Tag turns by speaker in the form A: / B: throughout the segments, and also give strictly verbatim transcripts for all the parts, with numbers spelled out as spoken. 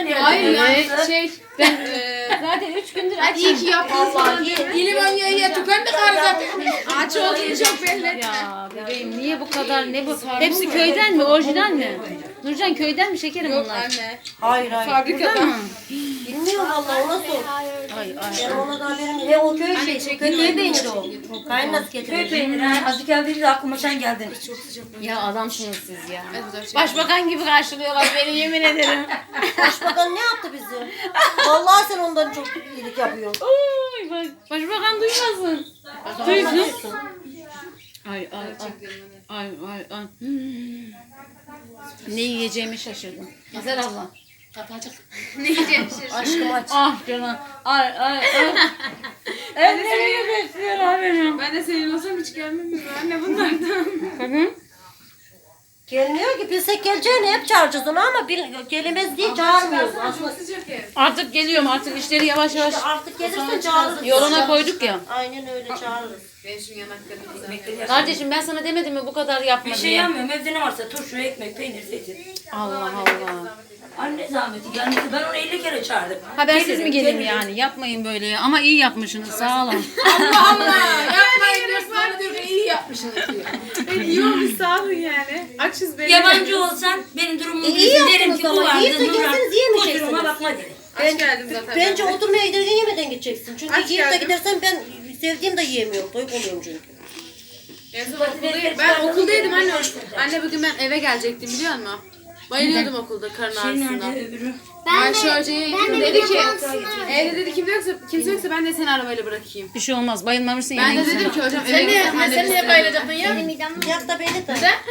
A: nerede?
B: Hayır
C: Evet.
B: yani şey ben eee
C: Zaten üç gündür
B: hadi iyi ki yaptınız falan diye. İlim ya ya tükendik karı zaten. Aç olduğunu çok belli etme.
C: Ya bebeğim niye bu kadar ne bu? Hepsi köyden mi? Orijinal mi? Nurcan köyden mi şekerim
B: Yok
C: bunlar?
B: anne.
A: Hayır hayır.
B: Fabrikadan.
A: Bilmiyorum valla ona sor.
C: Ay ay.
A: Ben ona da haberim. He o köy
B: Anne,
A: şey.
B: çekil
A: Köy
B: bak.
A: peyniri o. Kaynat
D: Köy
A: getirir.
D: peyniri. Ha, azıcık geldiğinde aklıma sen geldin.
C: Ya adamsınız siz ya.
B: Hadi fotoğraf çekelim.
C: Başbakan gibi karşılıyorlar beni yemin ederim.
A: Başbakan ne yaptı bizi? Vallahi sen ondan çok iyilik yapıyorsun.
C: Oy bak. Başbakan duymasın. Duysun. Ay ay ay. Ay ay ay. Hmm. Ne yiyeceğimi şaşırdım. Güzel abla.
B: Ne yiyeceğim şimdi?
A: Aşkım aç.
C: Ah canım. Ay ay ay. Ellerimi besliyor haberim.
B: Ben de senin olsam hiç gelmem mi? Anne bunlardan.
C: Hı.
A: Gelmiyor ki bilsek geleceğini hep çağıracağız onu ama bil, gelemez diye çağırmıyoruz.
B: Çok sıcak ev.
C: Artık geliyorum artık işleri yavaş yavaş
A: İşte artık gelirsen çağırırız.
C: yoluna koyduk ya.
A: Aynen öyle çağırırız.
B: Ben şu yanaklarımı güzel.
C: Kardeşim ben sana demedim mi bu kadar yapma
D: Bir şey
C: diye.
D: yapmıyorum. Evde ne varsa turşu, ekmek, peynir, zeytin.
C: Allah Allah.
D: Anne zahmeti gelmesi. Ben onu elli kere çağırdım.
C: Habersiz
D: Gelirim,
C: mi geleyim
D: gelirim.
C: yani? Yapmayın böyle ya. Ama iyi yapmışsınız. Sağ olun.
B: Allah Allah. Yapmayın diyor sonra diyor ki iyi yapmışsınız diyor. Ben iyi olmuş sağ olun yani. Açız belli.
D: Yabancı olsan benim durumumu
A: E, iyi
D: bilsin derim
A: yaptınız
D: ki bu
A: ama.
D: vardı.
A: Yiyip de
D: Nurhan.
A: gelseniz yiyemeyeceksiniz.
D: Kusuruma bakma derim.
B: Aç geldim zaten.
A: Bence
B: ben.
A: oturmaya giderken yemeden gideceksin. Çünkü
B: Aç
A: yiyip de
B: geldim.
A: gidersen ben sevdiğim de yiyemiyorum. Doyup oluyorum çünkü.
B: En son okuldayım. Ben okuldaydım anne. Anne bugün ben eve gelecektim biliyor musun? Bayılıyordum okulda karın
D: Şey
B: ağrısından.
D: nerede öbürü?
B: Ayşe Hoca'ya gittim dedi ki evde dedi kimse yoksa kimse yoksa ben de seni arabayla bırakayım.
C: Bir şey olmaz. Bayılmamışsın
B: Ben
C: yani.
B: de dedim ki hocam eve gittim anne. Sen niye bayılacaktın ya?
A: Yak da beni de.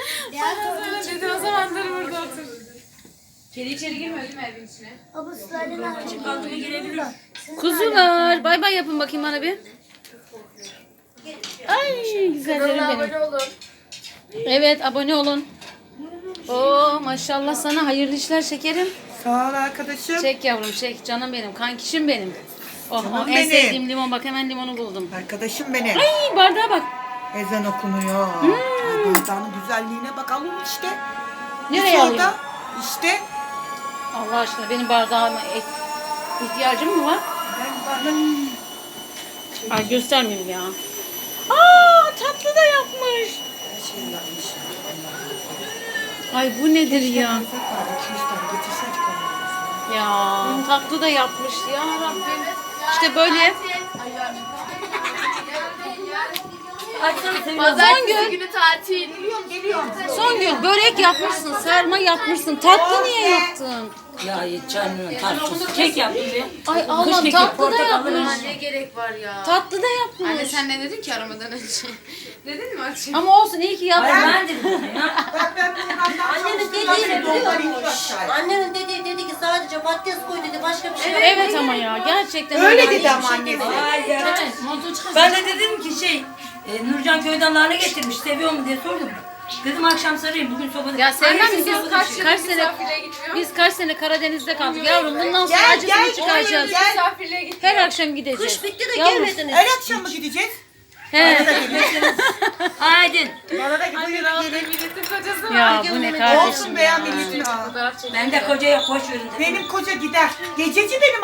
B: Dedi o zamanları burada otur. Kedi içeri girmiyor değil mi evin içine?
D: Kaldıma girebilir.
C: Kuzular. Bay bay yapın bakayım bana bir. Ay güzellerim benim.
B: Abone olun.
C: Evet abone olun. Oo maşallah sana hayırlı işler şekerim.
E: Sağ ol arkadaşım.
C: Çek yavrum çek canım benim kankişim benim. Oh,
E: Canım
C: oh, en
E: benim.
C: sevdiğim limon bak hemen limonu buldum.
E: Arkadaşım benim.
C: Ay bardağa bak.
E: Ezan okunuyor.
C: Hmm.
E: Ay, bardağın güzelliğine bakalım işte.
C: Nereye
E: Hiç
C: alayım?
E: orada. İşte.
C: Allah aşkına benim bardağıma et- ihtiyacım mı var?
E: Ben bardak...
C: Ay göstermeyeyim ya. Aa tatlı da yapmış.
E: Şey yapmış.
C: Ay bu nedir ya?
E: Konfet var. iki yüz tane getirseydik onları.
C: Ya tatlı da yapmış ya Rabbim. İşte böyle.
D: Açsana Sevil.
C: Songül,
B: Günü tatil.
C: Songül börek yapmışsın, sarma yapmışsın. Tatlı niye yaptın?
D: Ya canım tartışsız. Kek yaptım ya.
C: Ay Allah
D: keki,
C: tatlı da
D: portakallı
C: yapmış.
B: Ne gerek var ya?
C: Tatlı da yapmış.
B: Anne sen ne dedin ki aramadan önce? Dedin mi açayım?
C: Ama olsun iyi ki
D: Hayır
C: yaptın.
D: ben dedim ya.
E: Bak ben bundan daha
A: Annemin
E: çalıştım.
A: dediği
E: Nasıl
A: biliyor
E: biliyor
A: musun?
E: musun?
A: Annemin dediği dedi ki sadece patates koy dedi başka bir şey yok.
C: Evet ama ya gerçekten
E: Öyle
C: öyle.
E: dedi ama annesi.
D: Hayır ya. Ben de dedim ki şey, e, Nurcan köyden nane getirmiş, seviyor mu diye sordum. Dedim akşam sarayım, bugün sobada.
C: Ya sevmem
D: Hayır,
C: biz
D: siz sobada
C: kaç,
D: bir şey.
C: kaç sene
B: Misafirliğe gitmiyor.
C: biz kaç sene Karadeniz'de kaldık yavrum. Bundan sonra
E: Gel,
C: acısını
E: gel,
C: çıkaracağız.
E: gel.
B: Misafirliğe gitmiyor.
C: Her akşam gideceğiz.
A: Kış bitti de
C: Yavrum,
A: gelmediniz.
E: Her akşam mı gideceğiz?
C: He.
D: Aydın.
E: Bana da buyurun gelin.
B: Milletin kocası var.
C: Ya bu ne kardeşim
E: Olsun be ya
C: ya.
E: milletin. ha.
B: Fotoğraf çekelim.
D: Ben de koca yok, boş verin.
E: Benim koca gider. Gececi benim